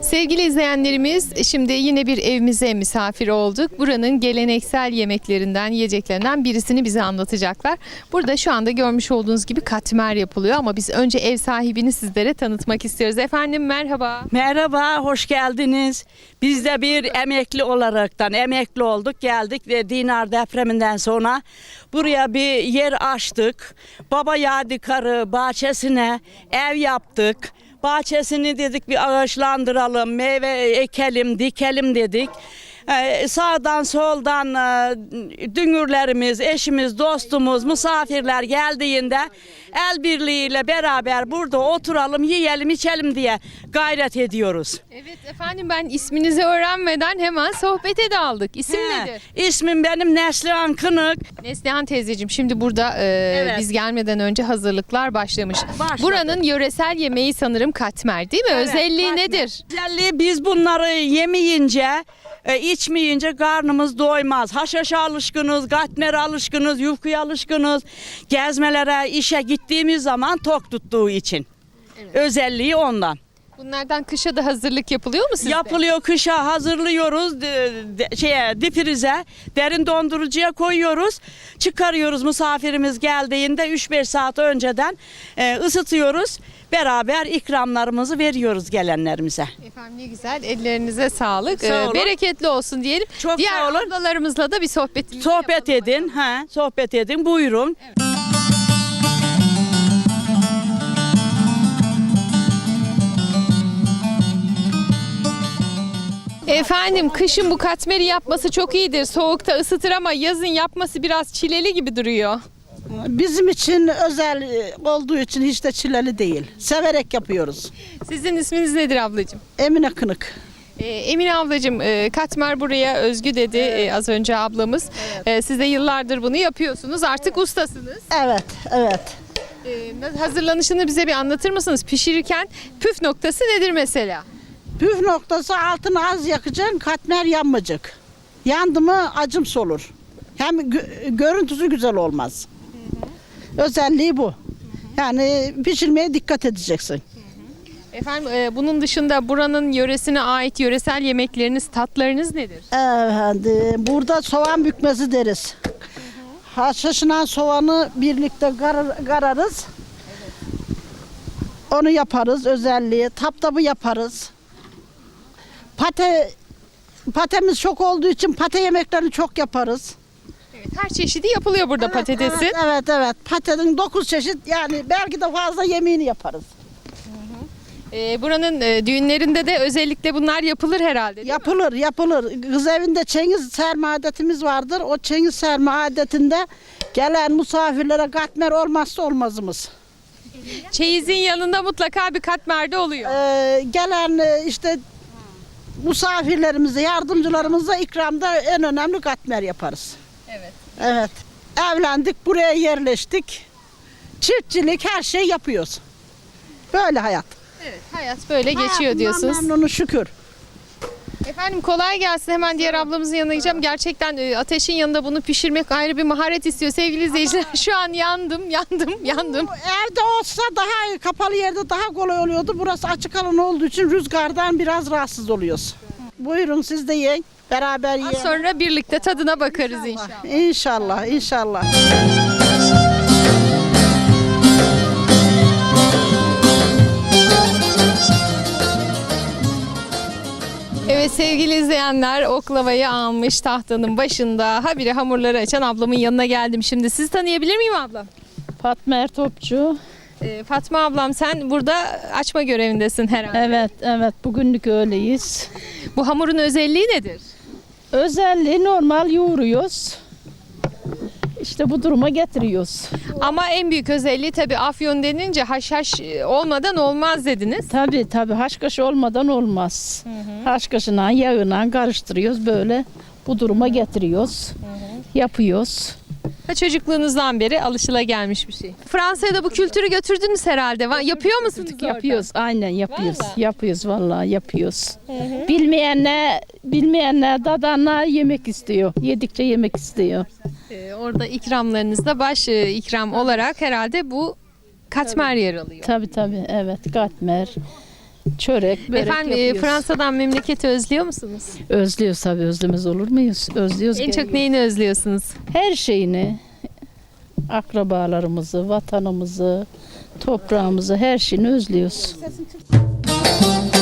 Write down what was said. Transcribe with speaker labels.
Speaker 1: Sevgili izleyenlerimiz, şimdi yine bir evimize misafir olduk. Buranın geleneksel yemeklerinden, yiyeceklerinden birisini bize anlatacaklar. Burada şu anda görmüş olduğunuz gibi katmer yapılıyor ama biz önce ev sahibini sizlere tanıtmak istiyoruz. Efendim merhaba.
Speaker 2: Merhaba, hoş geldiniz. Biz de bir emekli olaraktan emekli olduk, geldik ve Dinar depreminden sonra buraya bir yer açtık. Baba Yadigarı bahçesine ev yaptık. Bahçesini dedik bir ağaçlandıralım, meyve ekelim, dikelim dedik. Sağdan soldan dünürlerimiz, eşimiz, dostumuz, misafirler geldiğinde el birliğiyle beraber burada oturalım, yiyelim, içelim diye gayret ediyoruz.
Speaker 1: Evet efendim, ben isminizi öğrenmeden hemen sohbete daldık. İsim nedir?
Speaker 2: İsmim benim Neslihan Kınık.
Speaker 1: Neslihan teyzeciğim, şimdi burada biz gelmeden önce hazırlıklar başlamış.
Speaker 2: Başladı.
Speaker 1: Buranın yöresel yemeği sanırım katmer değil mi?
Speaker 2: Evet,
Speaker 1: Özelliği
Speaker 2: katmer.
Speaker 1: nedir?
Speaker 2: Özelliği biz bunları yemeyince, içmeyince karnımız doymaz. Haşhaşa alışkınız, katmere alışkınız, yufkaya alışkınız. Gezmelere, işe gittiğimiz zaman tok tuttuğu için.
Speaker 1: Evet.
Speaker 2: Özelliği ondan.
Speaker 1: Bunlardan kışa da hazırlık yapılıyor mu sizde?
Speaker 2: Yapılıyor, kışa hazırlıyoruz, difrize, derin dondurucuya koyuyoruz. Çıkarıyoruz misafirimiz geldiğinde 3-5 saat önceden ısıtıyoruz. Beraber ikramlarımızı veriyoruz gelenlerimize.
Speaker 1: Efendim ne güzel, ellerinize sağlık.
Speaker 2: Sağ olun.
Speaker 1: Bereketli olsun diyelim.
Speaker 2: Çok
Speaker 1: Diğer
Speaker 2: sağ olun.
Speaker 1: ablalarımızla da bir sohbetimizi
Speaker 2: Sohbet
Speaker 1: yapalım
Speaker 2: edin, sohbet edin. Buyurun.
Speaker 1: Efendim, kışın bu katmeri yapması çok iyidir. Soğukta ısıtır ama yazın yapması biraz çileli gibi duruyor.
Speaker 3: Bizim için özel olduğu için hiç de çileli değil. Severek yapıyoruz.
Speaker 1: Sizin isminiz nedir ablacığım?
Speaker 3: Emine Kınık.
Speaker 1: Emine ablacığım, katmer buraya özgü dedi az önce ablamız. Siz de yıllardır bunu yapıyorsunuz. Artık ustasınız.
Speaker 3: Evet, evet.
Speaker 1: Hazırlanışını bize bir anlatır mısınız? Pişirirken püf noktası nedir mesela?
Speaker 3: Püf noktası altını az yakacaksın, katmer yanmayacak. Yandı mı acımsı olur. Hem görüntüsü güzel olmaz. Özelliği bu. Yani pişirmeye dikkat edeceksin.
Speaker 1: Efendim, bunun dışında buranın yöresine ait yöresel yemekleriniz, tatlarınız nedir?
Speaker 3: Efendim, burada soğan bükmesi deriz. Haşhaşınan soğanı birlikte kararız. Onu yaparız özelliği. Taptabı yaparız. Patemiz çok olduğu için pate yemeklerini çok yaparız.
Speaker 1: Evet, her çeşidi yapılıyor burada patatesin.
Speaker 3: Evet. Patenin 9 çeşit, yani belki de fazla yemeğini yaparız.
Speaker 1: Buranın düğünlerinde de özellikle bunlar yapılır herhalde değil mi?
Speaker 3: Yapılır. Kız evinde çengiz serme adetimiz vardır. O çengiz serme adetinde gelen misafirlere katmer olmazsa olmazımız.
Speaker 1: Çeyizin yanında mutlaka bir katmer de oluyor.
Speaker 3: Gelen işte misafirlerimize, yardımcılarımıza ikramda en önemli katmer yaparız.
Speaker 1: Evet.
Speaker 3: Evet. Evlendik, buraya yerleştik. Çiftçilik, her şey yapıyoruz. Böyle hayat.
Speaker 1: Evet, hayat böyle geçiyor
Speaker 3: Hayatımdan
Speaker 1: diyorsunuz.
Speaker 3: memnunum şükür.
Speaker 1: Efendim kolay gelsin. Hemen diğer ablamızın yanına gideceğim. Gerçekten ateşin yanında bunu pişirmek ayrı bir maharet istiyor. Sevgili izleyiciler, şu an yandım.
Speaker 3: Bu evde olsa daha kapalı yerde daha kolay oluyordu. Burası açık alan olduğu için rüzgardan biraz rahatsız oluyoruz. Buyurun siz de yiyin. Beraber yiyin.
Speaker 1: Az sonra birlikte tadına bakarız inşallah.
Speaker 3: İnşallah.
Speaker 1: Evet sevgili izleyenler, oklavayı almış tahtanın başında. Habire hamurları açan ablamın yanına geldim. Şimdi sizi tanıyabilir miyim ablam?
Speaker 4: Fatma Ertopçu.
Speaker 1: Fatma ablam, sen burada açma görevindesin herhalde.
Speaker 4: Evet bugünlük öyleyiz.
Speaker 1: Bu hamurun özelliği nedir?
Speaker 4: Özelliği normal yoğuruyoruz. İşte bu duruma getiriyoruz.
Speaker 1: Ama en büyük özelliği tabii afyon denince haşhaş olmadan olmaz dediniz.
Speaker 4: Tabii haşhaş olmadan olmaz. Haşhaşına yağına karıştırıyoruz, böyle bu duruma getiriyoruz. Yapıyoruz.
Speaker 1: Çocukluğunuzdan beri alışılagelmiş bir şey. Fransa'ya da bu kültürü götürdünüz herhalde. Yapıyor musunuz orada?
Speaker 4: Yapıyoruz, aynen yapıyoruz.
Speaker 1: Vallahi.
Speaker 4: Yapıyoruz vallahi yapıyoruz. Bilmeyenler dadanlar yemek istiyor. Yedikçe yemek istiyor.
Speaker 1: Orada ikramlarınızda baş ikram olarak herhalde bu katmer yer alıyor.
Speaker 4: Tabii evet, katmer. Çörek, börek
Speaker 1: Efendim
Speaker 4: yapıyoruz.
Speaker 1: Fransa'dan memleketi özlüyor musunuz?
Speaker 4: Özlüyoruz tabii, özlemez olur muyuz? Özlüyoruz.
Speaker 1: En çok
Speaker 4: geliyoruz.
Speaker 1: neyini özlüyorsunuz?
Speaker 4: Her şeyini, akrabalarımızı, vatanımızı, toprağımızı, her şeyini özlüyoruz.